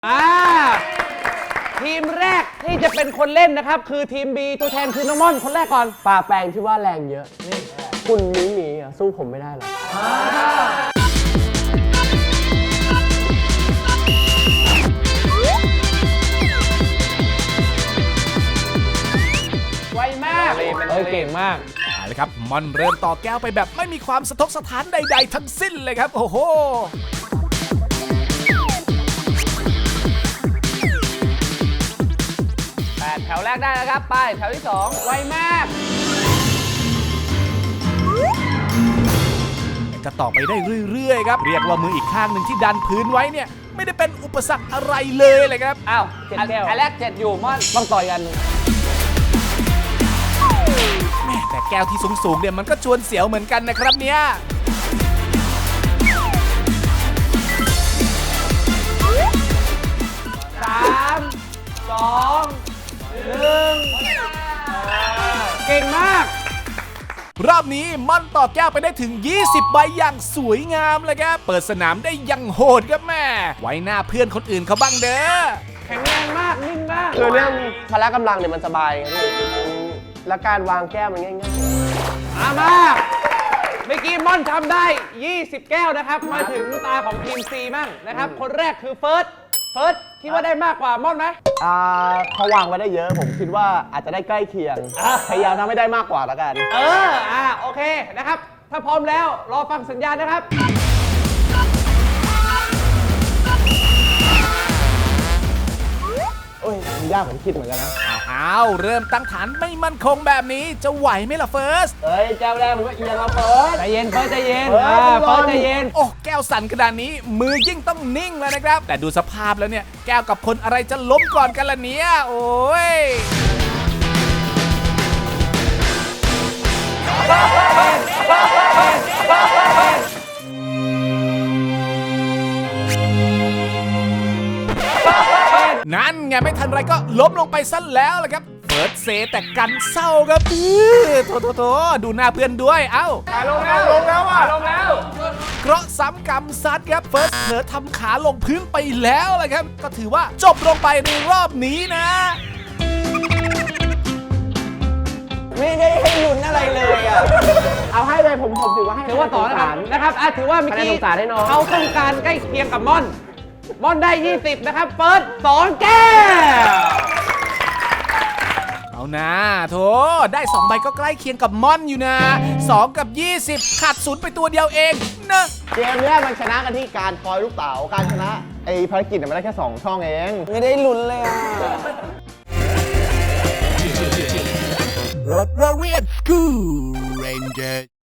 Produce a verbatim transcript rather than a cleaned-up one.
อ่าทีมแรกที่จะเป็นคนเล่นนะครับคือทีม B ตัวแทนคือน้องม่อนคนแรกก่อนปลาแปลงที่ว่าแรงเยอะนี่คุณมีหมีอ่ะสู้ผมไม่ได้หรอกไวมากเออเก่งมากเอาละครับมอนเริ่มต่อแก้วไปแบบไม่มีความสะทกสะท้านใดๆทั้งสิ้นเลยครับโอ้โหแปดแถวแรกได้แล้วครับไปแถวที่สองไวมากจะต่อไปได้เรื่อยๆครับเรียกว่ามืออีกข้างหนึ่งที่ดันพื้นไว้เนี่ยไม่ได้เป็นอุปสรรคอะไรเลยเลยครับอ้าวเจ็ดแก้วอันแรกเจ็ดอยู่ม่อนต้องต่อยกันแม่แต่แก้วที่สูงๆเนี่ยมันก็ชวนเสียวเหมือนกันนะครับเนี่ยสามสองหนึ่งเก่งมากรอบนี้ม่อนต่อแก้วไปได้ถึงยี่สิบใบอย่างสวยงามเลยครับเปิดสนามได้ยังโหดครับแม่ไว้หน้าเพื่อนคนอื่นเขาบ้างเด้อแข็งแรงมากนิ่งมากคือเรื่องพละกำลังเนี่ยมันสบายไงพี่และการวางแก้วมันง่ายๆมามาเมื่อกี้ม่อนทำได้ยี่สิบแก้วนะครับมาถึงตาของทีม C มั่งนะครับคนแรกคือเฟิร์สเฟิร์สคิดว่าได้มากกว่าม่อนไหมอ่าเขาวางไว้ได้เยอะผมคิดว่าอาจจะได้ใกล้เคียงพยายามทำให้ได้มากกว่าแล้วกันเอออ่าโอเคนะครับถ้าพร้อมแล้วรอฟังสัญญาณนะครับโอ้ยมันยากผมคิดเหมือนกันนะอ้าวเริ่มตั้งฐานไม่มั่นคงแบบนี้จะไหวไหมล่ะเฟิร์สเฮ้ยแก้วแรกมันก็เอียงแล้วเฟิร์สใจเย็นเฟิร์สใจเย็นเฟิร์สใจเย็นโอ้แก้วสั่นขนาดนี้มือยิ่งต้องนิ่งเลยนะครับแต่ดูสภาพแล้วเนี่ยแก้วกับคนอะไรจะล้มก่อนกันล่ะเนี่ยโอ้ยนั่นไงไม่ทันไรก็ล้มลงไปซะแล้วล่ะครับเฟิร์สเซแต่กันเศร้าครับโถโถโถดูหน้าเพื่อนด้วยเอ้าลงแล้วลงแล้วอ่ะลงแล้วเคราะห์ซ้ำกรรมซัดครับเฟิร์สเผลอทำขาลงพื้นไปแล้วล่ะครับก็ถือว่าจบลงไปในรอบนี้นะไม่ได้ให้ลุ้นอะไรเลยอ่ะเอาให้เลยผมผมถือว่าให้ถือว่าต่อนะครับนะครับอ่ะถือว่าเมื่อกี้เขาต้องการใกล้เคียงกับม่อนม่อนได้ยี่สิบนะครับเฟิร์สสองแก้วเอานะโถได้สองใบก็ใกล้เคียงกับม่อนอยู่นะสองกับยี่สิบขาดศูนย์ไปตัวเดียวเองนะเกมนี้มันชนะกันที่การทอยลูกเต๋าการชนะไอ้ภารกิจมันได้แค่สองช่องเองไม่ได้ลุ้นเลยอ่ะรถเรียนกูเรนเจอร์